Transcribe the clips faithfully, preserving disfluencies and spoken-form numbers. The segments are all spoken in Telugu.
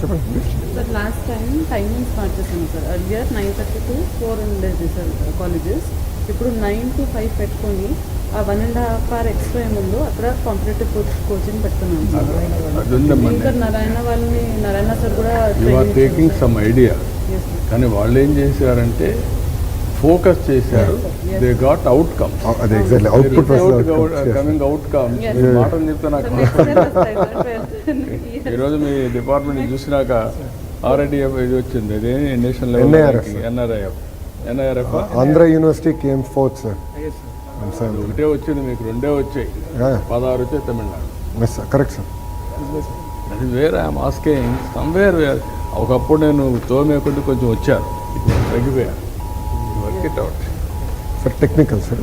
చెప్పండి సార్ లాస్ట్ టైం టైమింగ్స్ మార్చేసాను sir. Earlier nine thirty to four ఉండేది సార్ కాలేజెస్. ఇప్పుడు నైన్ టు ఫైవ్ పెట్టుకొని ఆ one and half hour extra ఏముందో అక్కడ కాంపిటేటివ్ కోచింగ్ పెడుతున్నాను సార్. ఇంకా నారాయణ వాళ్ళని నారాయణ సార్ కూడా టేకింగ్ సమ్ ఐడియా, కానీ వాళ్ళు ఏం చేశారంటే ఫోకస్ చేశారు. They got outcome. అది ఎగ్జాక్ట్లీ అవుట్పుట్ కమింగ్ అవుట్కమ్. మాటలు చెప్తే నాకు ఈరోజు మీ డిపార్ట్మెంట్ చూసినాక ఆర్ఐడిఎఫ్ ఇది వచ్చింది, అదే national level NRIF NIRF Andhra university came fourth sir. ఒకటే వచ్చింది, మీకు రెండే వచ్చాయి, పదహారు వచ్చాయి తమిళనాడు. Correct sir. అది వేరే మాస్కింగ్ సమ్వేర్. ఒకప్పుడు నేను తోమేకుంటే కొంచెం వచ్చాను, తగ్గిపోయాను. Work it out sir. Technical sir,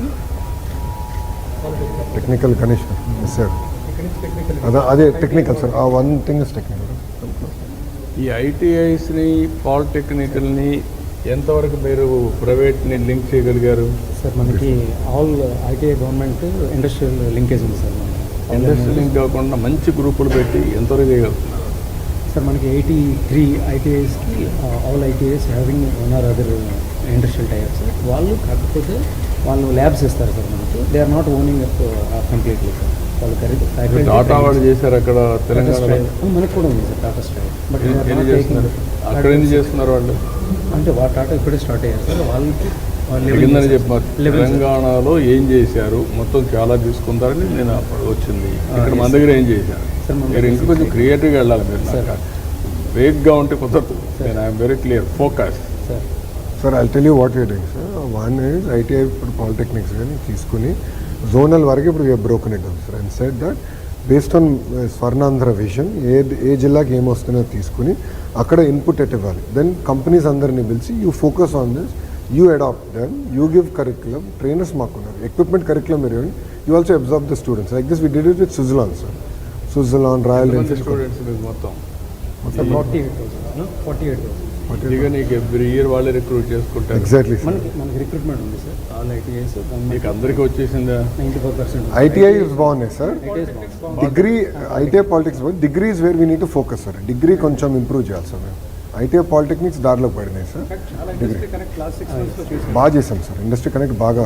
technical Ganesh sir. అదే అదే టెక్నికల్ సార్. ఆ వన్ థింగ్ ఇస్ టెక్నికల్. ఈ ఐటీఐస్ని పాలిటెక్నికల్ని ఎంతవరకు మీరు ప్రైవేట్ని లింక్ చేయగలిగారు సార్? మనకి all ITI government industrial linkage ఉంది సార్. ఇండస్ట్రియల్ లింక్ కాకుండా మంచి గ్రూపులు పెట్టి ఎంతవరకు చేయగలుగుతున్నారు సార్? మనకి ఎయిటీ త్రీ ఐటీఐస్కి all ITIs having one or other industrial types. వాళ్ళు కాకపోతే వాళ్ళు ల్యాబ్స్ ఇస్తారు సార్ మనకి. They are not owning up completely sir. వాళ్ళు ఖరీదు టాటా వాళ్ళు చేశారు అక్కడ తెలంగాణ. మనకు కూడా ఉంది సార్ టాటా స్ట్రైవ్. బట్ అక్కడ ఏం చేస్తున్నారు వాళ్ళు అంటే వాళ్ళ టాటా ఇప్పుడే స్టార్ట్ అయ్యారు సార్. వాళ్ళకి కిందని చెప్పారు తెలంగాణలో ఏం చేశారు, మొత్తం చాలా తీసుకుంటారని నేను అప్పుడు వచ్చింది. ఇక్కడ మన దగ్గర ఏం చేశారు మీరు ఇంకా కొంచెం క్రియేటివ్గా వెళ్ళాలి. మీరు సార్ వేగ్గా ఉంటే కుదరదు. నేను I'm very clear focus sir. Sir I tell you what you doing sir. One is ITI ఇప్పుడు పాలిటెక్నిక్స్ కానీ తీసుకుని జోనల్ వరకు ఇప్పుడు we broken it sir. And set that based on Swarnandhra vision ఏ ఏ జిల్లాకి ఏమొస్తుందో తీసుకుని అక్కడ ఇన్పుట్ ఎట్ ఇవ్వాలి. దెన్ కంపెనీస్ అందరినీ పిలిచి you focus on this, you adapt then, you give curriculum. Trainers మాకున్నారు, ఎక్విప్మెంట్ కరిక్యులం మీరు you also observe the students. Like this we did it with Suzlon sir. Suzlon, Royal Enfield students మొత్తం forty eight thousand forty eight thousand ఇక నీకు ఎవ్రీ ఇయర్ వాళ్ళే రిక్రూట్ చేసుకుంటారు. Exactly sir. మనకి మనకి రిక్రూట్మెంట్ ఉంది సార్. ఆల్ ఐటీఐస్ మీకు అందరికీ వచ్చేసిందా? నైంటీ ఫోర్ పర్సెంట్ ఐటీఐ బాగున్నాయి sir. Degree ITI politics degree is where we need to focus sir. Degree కొంచెం ఇంప్రూవ్ చేయాలి సార్. మేము ఐటీఐ పాలిటెక్నిక్స్ దారిలో పడినాయి సార్. డిగ్రీ బాగా చేసాం సార్. ఇండస్ట్రీ కనెక్ట్ బాగా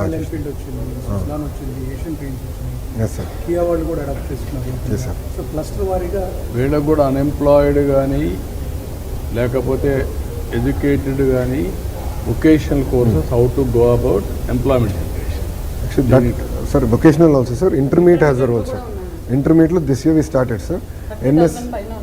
ఎస్ సార్. వీళ్ళకు కూడా అన్ఎంప్లాయిడ్ కానీ లేకపోతే ఎడ్యుకేటెడ్ కానీ vocational courses how to go about employment generation. Sir vocational also sir. Intermediate has a role sir. ఇంటర్మీడియట్లో this year we started sir. NS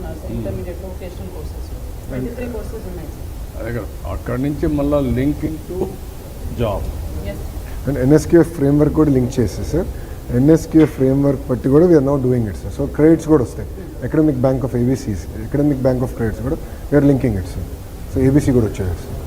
అక్కడి నుంచి మళ్ళీ linking to job and NSQF framework కూడా లింక్ చేస్తే సార్. ఎన్ఎస్క్యూఎఫ్ ఫ్రేమ్వర్క్ బట్టి కూడా we are not doing it sir. So credits కూడా వస్తాయి. Academic bank of ABCs, academic bank of credits కూడా we are linking it sir. So ABC కూడా వచ్చేది సార్.